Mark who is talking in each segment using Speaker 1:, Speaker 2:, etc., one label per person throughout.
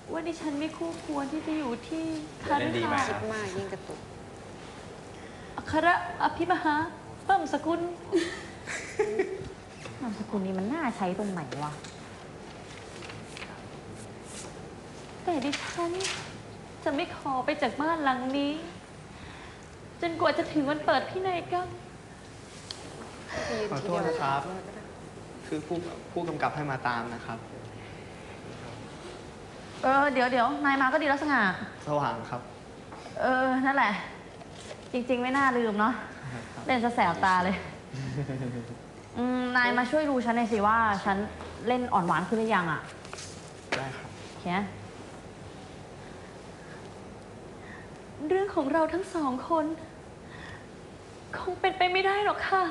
Speaker 1: ว่าดิฉันไม่คู่ควรที่จะอยู่ที่คาริคา
Speaker 2: คิดมากยิ่งกระตุก
Speaker 1: อัครอภิมหาเพิ่มสกุล
Speaker 3: นามสกุลนี้มันน่าใช้ตรงไหนวะ
Speaker 1: แต่ดิฉันจะไม่ขอไปจากบ้านหลังนี้จนกว่าจะถึงวันเปิดพินัยกรรม
Speaker 4: ขอโทษนะครับ คือผู้กำกับให้มาตามนะครับ
Speaker 3: เดี๋ยวนายมาก็ดีแล้วสง่า
Speaker 4: สว่างครับ
Speaker 3: นั่นแหละ จริงๆไม่น่าลืมเนาะเล่นซะแสบตาเลยนายมาช่วยดูฉันหน่อยสิว่าฉันเล่นอ่อนหวานขึ้นหรือยังอ่ะ
Speaker 4: ได้ครับ
Speaker 3: โอเค
Speaker 1: เรื่องของเราทั้งสองคนคงเป็นไปไม่ได้หรอกค่ะ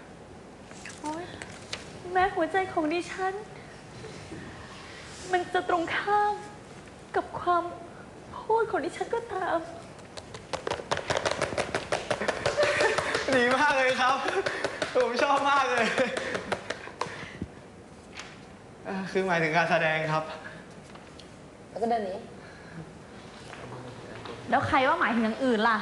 Speaker 1: แม้หัวใจของดิฉันมันจะตรงข้ามกับความพูดของดิฉันก็ตาม
Speaker 4: ดีมากเลยครับผมชอบมากเลยคือหมายถึงการแสดงครับ
Speaker 2: แล้วก็เดินหนี
Speaker 3: แล้วใครว่าหมายถึงอย่างอื่นล่ะ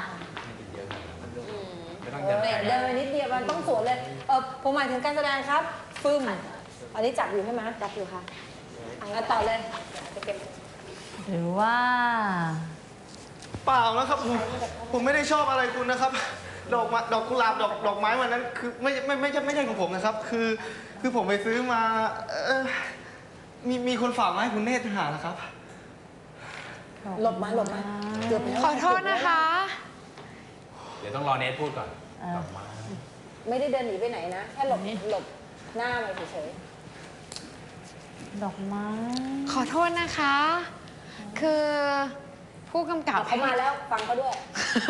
Speaker 2: เดินไปนิดเดียวมันต้องสวนเลยผมหมายถึงการแสดงครับฟึ่มอันนี้จับอยู่ใช่ไหมจับอยู่ค่ะต่อเลยจะเก็บ
Speaker 3: หรือว่า
Speaker 4: เปล่านะครับผมไม่ได้ชอบอะไรคุณนะครับ ดอกกุหลาบดอกไม้วันนั้นคือไม่ใช่ของผมนะครับ คือผมไปซื้อมามีคนฝากมาให้คุณเนตรหานะครับ
Speaker 2: หลบมาเกือบ
Speaker 5: ขอโทษนะคะ
Speaker 6: เดี๋ยวต้องรอเนทพูดก่อนดอกไม้
Speaker 2: ไม่ได้เดินหนีไปไหนนะแค่หลบหน้ามาเฉย
Speaker 3: ดอกไม้
Speaker 5: ขอโทษนะคะ คือผู้กำกับ
Speaker 2: เขามาแล้วฟังเขาด้วย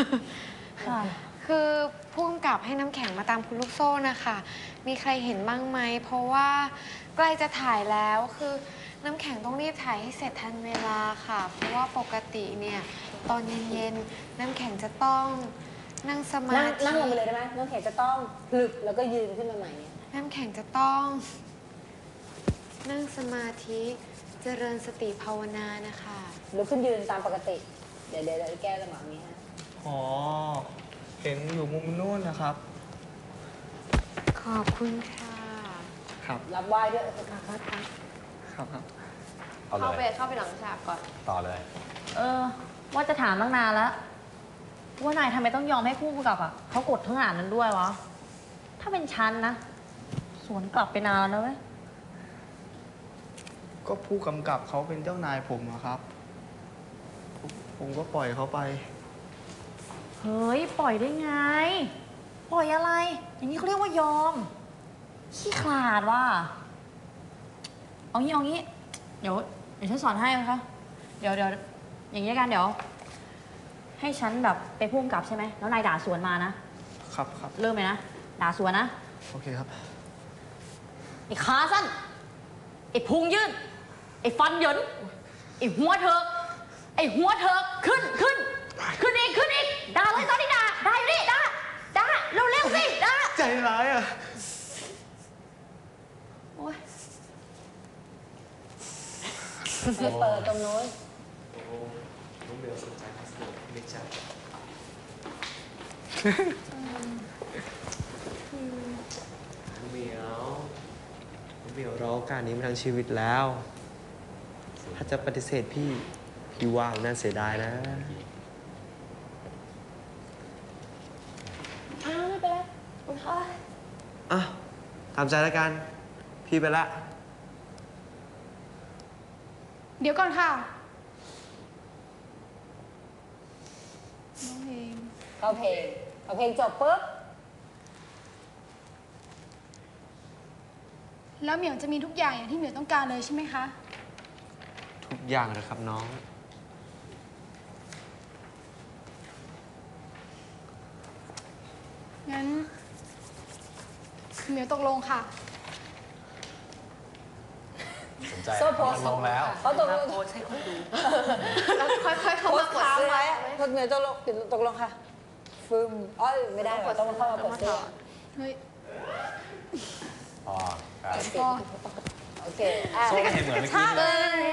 Speaker 5: คือผู้กำกับให้น้ำแข็งมาตามคุณลูกโซ่นะคะมีใครเห็นบ้างไหมเพราะว่าใกล้จะถ่ายแล้วคือน้ำแข็งต้องรีบถ่ายให้เสร็จทันเวลาค่ะเพราะว่าปกติเนี่ยตอนเย็นๆน้ำแข็งจะต้องนั่งสมาธิ
Speaker 2: นั่งลงไปเลยได้ไหมน้ำแข็งจะต้องพลึกแล้วก็ยืนขึ้นมาใหม่
Speaker 5: น้ำแข็งจะต้องนั่งสมาธิเจริญสติภาวนานะคะ
Speaker 2: ลุกขึ้นยืนตามปกติเดี๋ยวแก้จังหวะนี้ฮะ
Speaker 4: อ๋อเห็นอยู่มุมนู้นนะครับ
Speaker 5: ขอบคุณค่ะ
Speaker 4: ครับ
Speaker 2: รับไหว้ด้วย
Speaker 4: ครับ
Speaker 2: เข้าไปหลังฉากก่อน
Speaker 6: ต่อเลย
Speaker 3: ว่าจะถามตั้งนานแล้วว่านายทำไมต้องยอมให้ผู้กำกับเขากดทั้งอ่านนั้นด้วยวะถ้าเป็นฉันนะสวนกลับไปนานแล้วเว้ย
Speaker 4: ก็ผู้กำกับเขาเป็นเจ้านายผมครับผมก็ปล่อยเขาไป
Speaker 3: เฮ้ยปล่อยได้ไงปล่อยอะไรอย่างนี้เขาเรียกว่ายอมขี้ขลาดว่ะเอางี้เดี๋ยวฉันสอนให้นะคะเดี๋ยวอย่างนี้กันเดี๋ยวให้ฉันแบบไปพุ่งกลับใช่ไหมแล้วนายด่าสวนมานะครับเริ่มเลยนะด่าสวนนะ
Speaker 4: โอเคครับ
Speaker 3: ไอ้ขาสั้นไอ้พุงยื่นไอ้ฟันเหยินไอ้หัวเธอขึ้นอีกด่าเลยตอนนี้ด่าอยู่นี่ด่าเร็วสิด่า
Speaker 4: ใจร้ายอ่ะ
Speaker 3: โอ๊ย
Speaker 2: ไปเปิดตรงโน้น
Speaker 6: น้องเบลสนใจพัสดุไม่ใช่น้องเบล
Speaker 4: รอโอกาสนี้มาทั้งชีวิตแล้วถ้าจะปฏิเสธพี่ว่าน่าเสียดายนะ
Speaker 2: ไม่เป็นไรคุณพ่อ
Speaker 4: ตามใจแล้วกันพี่ไปละ
Speaker 5: เดี๋ยวก่อนค่ะ
Speaker 2: เข้าเพลงจบปุ๊บ
Speaker 5: แล้วเหมียวจะมีทุกอย่างอย่างที่เหมียวต้องการเลยใช่ไหมคะ
Speaker 4: ทุกอย่างเลยครับน้อง
Speaker 5: งั้นเหมียวตกลงค่ะ
Speaker 6: สนใจลงแล้ว
Speaker 2: เขาตกลง
Speaker 1: โพสให้คนดู
Speaker 5: แล้วค่อยๆเข้ามากดเสื้อ
Speaker 2: ไว้พวกเหมียวตกลงค่ะฟึมไม่ได้ต้องเข้ามากดเสื้อ
Speaker 5: เฮ้ย
Speaker 6: อ๋อครับ
Speaker 2: โอเค
Speaker 6: โซ่เห็นเหมือนเมื่อกี้เลย